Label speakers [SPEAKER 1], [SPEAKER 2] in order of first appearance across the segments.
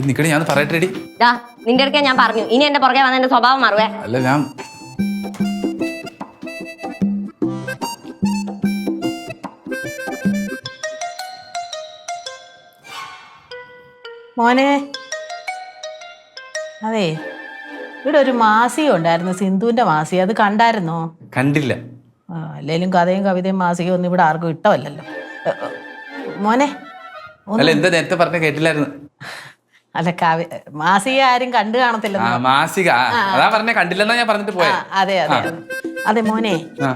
[SPEAKER 1] നിക്കണേ ഞാൻ പറയട്ടെടി.
[SPEAKER 2] നിന്റെ അടുക്ക ഞാൻ പറഞ്ഞു, ഇനി എന്റെ പുറകെ വന്ന എന്റെ സ്വഭാവം മാറുവേ.
[SPEAKER 1] അല്ല ഞാൻ
[SPEAKER 3] മോനെ, അതെ ഇവിടെ ഒരു മാസിക ഉണ്ടായിരുന്നു, സിന്ധുവിന്റെ മാസിക. അത് കണ്ടായിരുന്നോ?
[SPEAKER 1] കണ്ടില്ല.
[SPEAKER 3] അല്ലേലും കഥയും കവിതയും മാസികയും ഒന്നും ഇവിടെ ആർക്കും ഇഷ്ടമല്ലല്ലോ മോനെ.
[SPEAKER 1] അല്ല എന്താ നേരത്തെ പറഞ്ഞ കേട്ടില്ലായിരുന്നു.
[SPEAKER 3] അല്ല മാസിക ആരും കണ്ടു കാണത്തില്ല.
[SPEAKER 1] മാസിക അതാ പറഞ്ഞ കണ്ടില്ലെന്നാ ഞാൻ പറഞ്ഞിട്ട് പോയ.
[SPEAKER 3] അതെ അതെ അതെ മോനെ,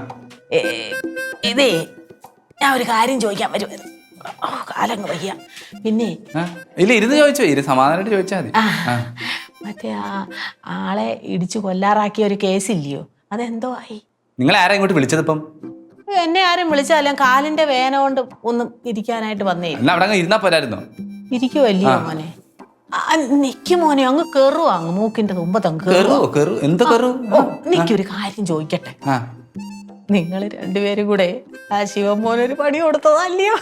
[SPEAKER 3] ഇതേ ഞാൻ ഒരു കാര്യം ചോദിക്കാൻ വരുമായിരുന്നു. കാലങ്ങ് വയ്യ. പിന്നെ
[SPEAKER 1] ഇല്ല ഇരുന്ന് ചോദിച്ചോ, സമാധാനമായിട്ട് ചോദിച്ചാൽ മതി.
[SPEAKER 3] മറ്റേ ആളെ ഇടിച്ചു കൊല്ലാറാക്കിയ ഒരു കേസില്ലയോ, അതെന്തോ ആയി?
[SPEAKER 1] നിങ്ങൾ ആരാ ഇങ്ങോട്ട് വിളിച്ചത്? ഇപ്പം
[SPEAKER 3] എന്നെ ആരും വിളിച്ചാലും കാലിന്റെ വേന കൊണ്ട് ഒന്നും ഇരിക്കാനായിട്ട് വന്നേ.
[SPEAKER 1] അവിടെ ഇരുന്നാ പോരായിരുന്നോ?
[SPEAKER 3] ഇരിക്കുവല്ലയോ മോനെ? നിക്ക് മോനെ, അങ്ങ് കയറുവാ, അങ്ങ് മൂക്കിന്റെ തുമ്പത്തങ്ങ് നിക്കൊരു കാര്യം ചോദിക്കട്ടെ. നിങ്ങൾ രണ്ടുപേരും കൂടെ ആ ശിവമോനൊരു പണി കൊടുത്തതല്ലയോ?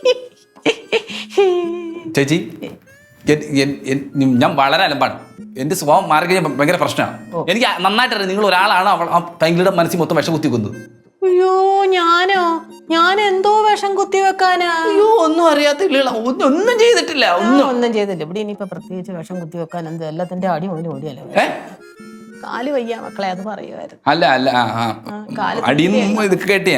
[SPEAKER 1] ചേച്ചി ഞാൻ വളരെ അലമ്പാണ്. എന്റെ സ്വഭാവം മാറി കഴിഞ്ഞാൽ ഭയങ്കര പ്രശ്നമാണ്. എനിക്ക് നന്നായിട്ടറിയാം നിങ്ങൾ ഒരാളാണ് ആ പെങ്ങളുടെ മനസ്സിൽ മൊത്തം വിഷം കുത്തി കൊന്നത്.
[SPEAKER 3] അയ്യോ ഞാൻ എന്തോ വിഷം കുത്തി വെക്കാനാ?
[SPEAKER 1] അയ്യോ ഒന്നും അറിയാത്തില്ല, ഒന്നും ചെയ്തിട്ടില്ല.
[SPEAKER 3] ഒന്നും ചെയ്തില്ല. ഇവിടെ ഇനിയിപ്പോ പ്രത്യേകിച്ച് വിഷം കുത്തി വെക്കാൻ എന്ത്, എല്ലാത്തിന്റെ അടി മുതൽ ഓടിയല്ലോ. കാല് വയ്യ മക്കളെ, അത് പറയുമായിരുന്നു.
[SPEAKER 1] അല്ല അല്ല അടിയൊന്നും ഇത് കേട്ടി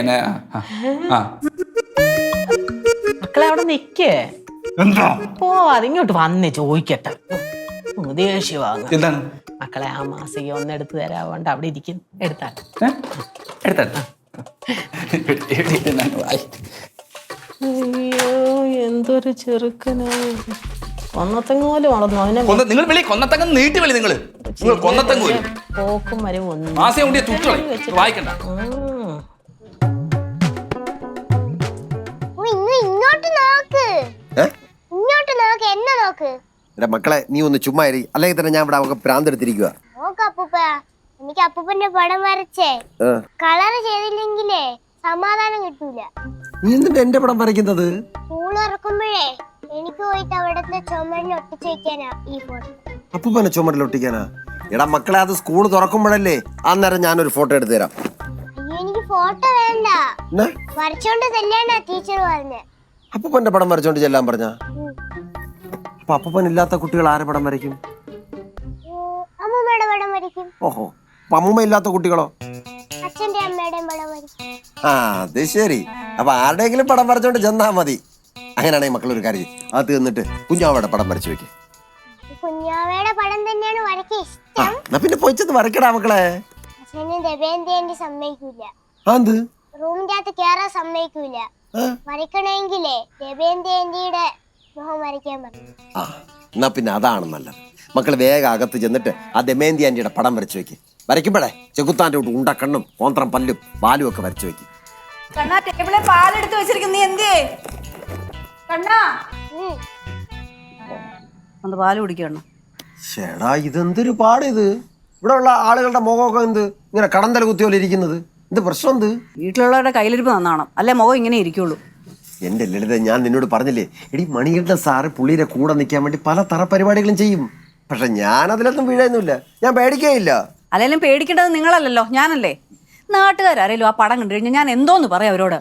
[SPEAKER 3] മക്കളെ അവിടെ നിക്കേ പോവാതെ ഇങ്ങോട്ട് വന്ന് ചോദിക്കട്ടെ. ദേഷ്യവാങ്ങ.
[SPEAKER 1] എന്താണ്
[SPEAKER 3] മക്കളെ ആ മാസിക ഒന്ന് എടുത്തു തരാവോണ്ട് അവിടെ ഇരിക്കും. എടുത്താട്ടെ. അയ്യോ എന്തൊരു ചെറുക്കനാ. കൊന്നത്തങ്ങ് പോലെ വളർന്നു. അവനെ
[SPEAKER 1] നീട്ടി വിളി. നിങ്ങൾ
[SPEAKER 3] പോക്കും വരെ ഒന്നും
[SPEAKER 1] വായിക്കണ്ട.
[SPEAKER 4] മക്കളെ നീ ഒന്ന് ചുമ്മാ അല്ലെങ്കിൽ തന്നെ ഞാൻ ഇവിടെ പ്രാന്തെടുത്തിരിക്കുക.
[SPEAKER 5] എനിക്ക് അപ്പൂപ്പന്റെ പടം വരച്ചേ കളർ ചെയ്തില്ലെങ്കിലേ സമാധാനം കിട്ടൂല.
[SPEAKER 4] നീ എന്തിനാ എന്റെ പടം വരയ്ക്കുന്നത്?
[SPEAKER 5] സ്കൂൾ ഇറക്കുമ്പോഴേ എനിക്ക് പോയിട്ട് അവിടത്തെ ചുമരിൽ ഒട്ടിച്ചു വെക്കാനാ ഈ ഫോട്ടോ.
[SPEAKER 4] അപ്പൂപ്പനെ ചുമരിൽ ഒട്ടിക്കാനാ? എടാ മക്കളെ, അത് സ്കൂൾ തുറക്കുമ്പോഴല്ലേ. അന്നേരം ഞാനൊരു ഫോട്ടോ എടുത്തു തരാം.
[SPEAKER 5] അയ്യോ എനിക്ക് ഫോട്ടോ വേണ്ട, വരച്ചോണ്ട് ചെല്ലാനാ ടീച്ചർ പറഞ്ഞേ.
[SPEAKER 4] അപ്പൂപ്പന്റെ പടം വരച്ചോണ്ട് ചെല്ലാൻ പറഞ്ഞ? അപ്പൊ അപ്പൂപ്പൻ ഇല്ലാത്ത കുട്ടികൾ ആരെ പടം വരയ്ക്കും?
[SPEAKER 5] അമ്മൂമ്മയുടെ പടം വരയ്ക്കും.
[SPEAKER 4] ഓഹോ, അമ്മൂമ്മ ഇല്ലാത്ത കുട്ടികളോ?
[SPEAKER 5] അച്ഛന്റെ അമ്മയുടെയും പടം വരയ്ക്കും.
[SPEAKER 4] അത് ശരി. അപ്പൊ ആരുടെയെങ്കിലും പടം വരച്ചോണ്ട് ചെന്നാ മതി. അങ്ങനെയാണെങ്കിൽ മക്കൾ ഒരു കാര്യം, അത് തീർന്നിട്ട് കുഞ്ഞാവയുടെ പടം വരച്ചു വെക്ക്.
[SPEAKER 5] കുഞ്ഞാവയുടെ പടം തന്നെയാണ് വരയ്ക്കാൻ ഇഷ്ടം.
[SPEAKER 4] എന്നാ പിന്നെ പോയിച്ചത് വരക്കടാ മക്കളെ.
[SPEAKER 5] അച്ഛന് ദബേന്തി സമ്മതിക്കൂല. റൂമിന്റെ അകത്ത് കേറാൻ സമ്മതിക്കൂല. വരയ്ക്കണമെങ്കിലേ ദബേന്തിയുടെ മുഖം വരയ്ക്കാൻ പറഞ്ഞു.
[SPEAKER 4] എന്നാ പിന്നെ അതാണ് നല്ലത്. മക്കൾ വേഗം അകത്ത് ചെന്നിട്ട് ആ ദമയന്തി ആന്റിയുടെ പടം വരച്ചു വെക്ക്. വരയ്ക്കുമ്പോഴേ ചെകുത്താൻ്റെ തൊട്ട് ഉണ്ടക്കണ്ണും കോന്ത്രം പല്ലും പാലും ഒക്കെ വരച്ചു വെക്ക്.
[SPEAKER 6] പാലെടുത്ത് വെച്ചിരിക്കുന്നു. നീ എന്തേ കണ്ണാ ഒന്ന് പാല് കുടിക്കണം?
[SPEAKER 4] ചേടാ ഇതെന്തൊരു പാട് ഇത്. ഇവിടെ ഉള്ള ആളുകളുടെ മുഖമൊക്കെ എന്ത് ഇങ്ങനെ കടന്തല കുത്തിയോലെ ഇരിക്കുന്നത്? എന്ത് പ്രശ്നം? എന്ത്
[SPEAKER 6] വീട്ടിലുള്ളവരുടെ കയ്യിലിരിപ്പ് നന്നാവണം, അല്ലെ മുഖം ഇങ്ങനെ ഇരിക്കുള്ളൂ.
[SPEAKER 4] എന്റെ ലളിത, ഞാൻ നിന്നോട് പറഞ്ഞില്ലേ എടി, മണികണ്ഠൻ സാറ് പുള്ളിയുടെ കൂടെ നിൽക്കാൻ വേണ്ടി പല തറ പരിപാടികളും ചെയ്യും. പക്ഷെ ഞാൻ അതിലൊന്നും വീഴുന്നില്ല, ഞാൻ പേടിക്കുകയില്ല.
[SPEAKER 6] അല്ലെങ്കിലും പേടിക്കേണ്ടത് നിങ്ങളല്ലല്ലോ, ഞാനല്ലേ. നാട്ടുകാരും ആ പടം കണ്ടു കഴിഞ്ഞാൽ ഞാൻ എന്തോന്ന് പറയാം അവരോട്.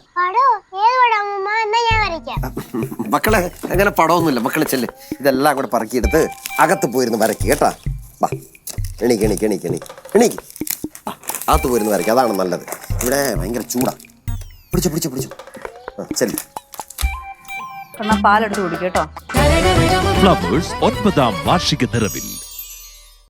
[SPEAKER 4] മക്കളെ അങ്ങനെ പടമൊന്നുമില്ല. മക്കളെ ചെല്ല്, ഇതെല്ലാം കൂടെ പറക്കിയെടുത്ത് അകത്ത് പോയിരുന്ന് വരയ്ക്ക് കേട്ടാ. വാ എണീക്ക് എണീക്ക് എണീക്ക് എണീക്ക് എണീക്ക്. അകത്ത് പോയിരുന്ന് വരയ്ക്ക്, അതാണ് നല്ലത്. ഇവിടെ ഭയങ്കര ചൂടാ. പിടിച്ചു പിടിച്ചു പിടിച്ചു. ചെല്ലു.
[SPEAKER 6] പാലെടുത്ത് കുടിക്കട്ടോ.
[SPEAKER 7] ഫ്ലവേഴ്സ് 9ാം വാർഷിക നിറവിൽ